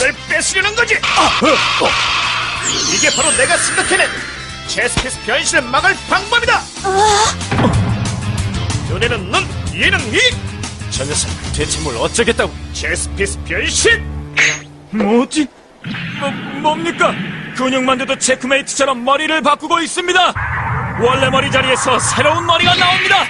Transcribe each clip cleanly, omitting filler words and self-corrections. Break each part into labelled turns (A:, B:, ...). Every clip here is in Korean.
A: 이걸 뺏으려는 거지. 이게 바로 내가 생각해낸 체스피스 변신을 막을 방법이다. 눈에는 눈, 이에는 이.
B: 저 녀석 대체 뭘 어쩌겠다고?
A: 체스피스 변신.
B: 뭐지? 뭡니까? 근육만두도 체크메이트처럼 머리를 바꾸고 있습니다. 원래 머리 자리에서 새로운 머리가 나옵니다.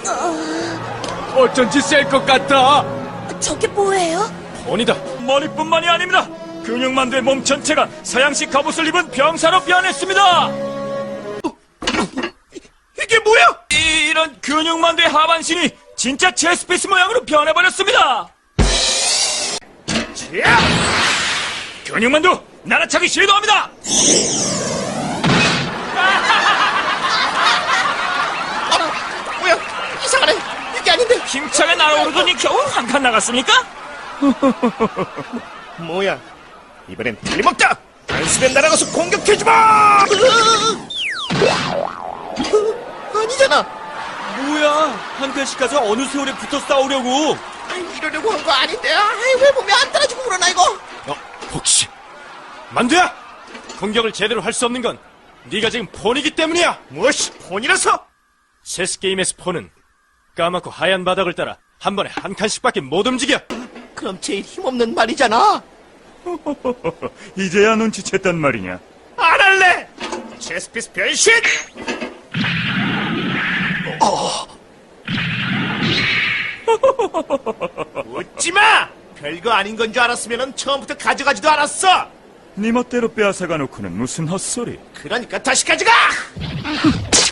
B: 어쩐지 셀 것 같다.
C: 저게 뭐예요?
B: 본이다. 머리뿐만이 아닙니다. 근육만두의 몸 전체가 서양식 갑옷을 입은 병사로 변했습니다.
A: 이게 뭐야?
B: 이런 근육만두의 하반신이 진짜 체스피스 모양으로 변해버렸습니다.
A: 야!
B: 근육만두 날아차기 시도합니다.
A: 뭐야? 이상하네. 이게 아닌데.
B: 힘차게 날아오르더니 겨우 한 칸 나갔습니까?
A: 뭐야? 이번엔 틀림없다. 단숨에 날아가서 공격해주마. 아니잖아.
B: 뭐야, 한 칸씩 가서 어느 세월에 붙어 싸우려고.
A: 이러려고 한 거 아닌데. 왜 몸이 안 따라주고 그러나 이거.
B: 혹시 만두야! 공격을 제대로 할 수 없는 건 네가 지금 폰이기 때문이야.
A: 무엇이 폰이라서?
B: 체스 게임에서 폰은 까맣고 하얀 바닥을 따라 한 번에 한 칸씩밖에 못 움직여.
A: 그럼 제일 힘없는 말이잖아.
B: 이제야 눈치챘단 말이냐.
A: 안 할래. 체스피스 변신. 웃지마. 별거 아닌 건 줄 알았으면 처음부터 가져가지도 않았어.
D: 네 멋대로 빼앗아가 놓고는 무슨 헛소리.
A: 그러니까 다시 가져가.